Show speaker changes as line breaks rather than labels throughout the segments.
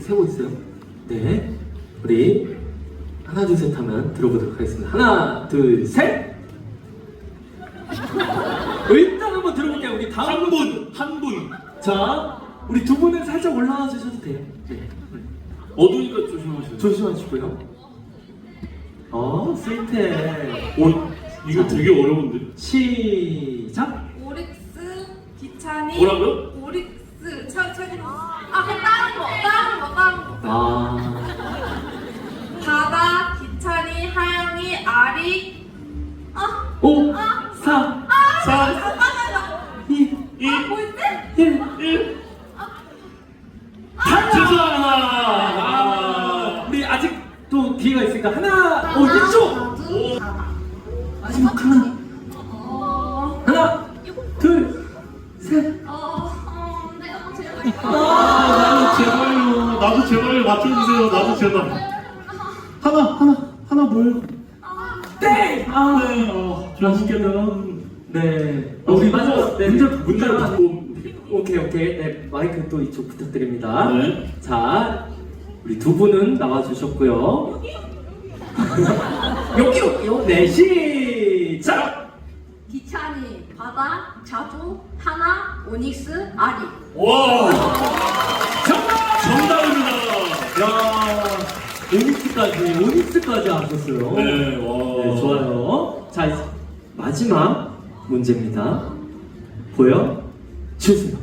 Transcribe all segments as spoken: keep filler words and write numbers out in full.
세고 있어요. 네, 우리 하나 둘 셋 하면 들어보도록 하겠습니다. 하나 둘 셋. 일단 한번 들어볼게요. 우리 다음
한 분, 한 분.
자, 우리 두 분은 살짝 올라와 주셔도 돼요. 네,
어두니까 조심하세요.
조심하시고요. 어, 스위트.
오, 이거 되게 어려운데.
시작.
오릭스 기찬이
뭐라고요?
오릭스 차 차기 아 그냥 다른 거 다른 거 다른 거
아,
바다 기찬이 하영이 아리 아
오,
아,
사,
아,
사,
잠깐만요.
이,
이,
아, 뭐였지?
일.
일.
아,
죄송합니다.
아, 우리 아직 또 기회가 있으니까 하나, 오, 이쪽.
오.
마지막 하나,
어,
하나, 둘, 셋.
어, 어, 내가 제일
아, 나도 제발요. 나도 제발요. 맞춰주세요. 나도 제발. 하나, 하나, 하나 뭐예요?
땡. 아,
네, 어, 맛있겠다.
네. 어, 우리 마지막 네,
문제, 문제를
일단-
받고.
오케이, 오케이. 네, 마이크 또 이쪽 부탁드립니다.
네.
자, 우리 두 분은 나와주셨고요. 여기, 여기요. 네, 시작.
기찬이 바다 자주 하나 오닉스 아리
와,
정답!
정답입니다.
야, 오닉스까지, 오닉스까지 하셨어요.
네, 와.
네, 좋아요. 자, 이제 마지막 문제입니다. 보여 주세요.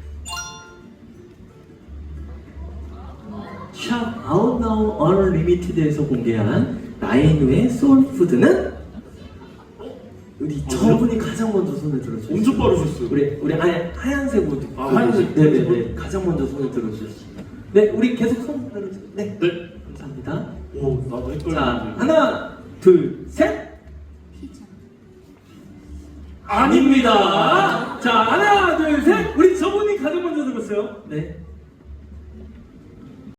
샵 아웃나우 언리미티드에서 공개한 나인우의 소울푸드는? 우리 저분이 가장 먼저 손을 들어주셨어요.
엄청 빠르셨어요.
우리 우리 아예 하얀색 옷.
아, 하얀색.
네네네. 가장 먼저 손을 들어주셨어요. 네, 우리 계속 손 들어주세요. 네.
네.
감사합니다.
오, 나도 헷갈렸는데.
자, 하나, 둘, 셋.
피자
아닙니다. 자, 하나, 둘, 셋. 우리 저분이 가장 먼저 들었어요. 네.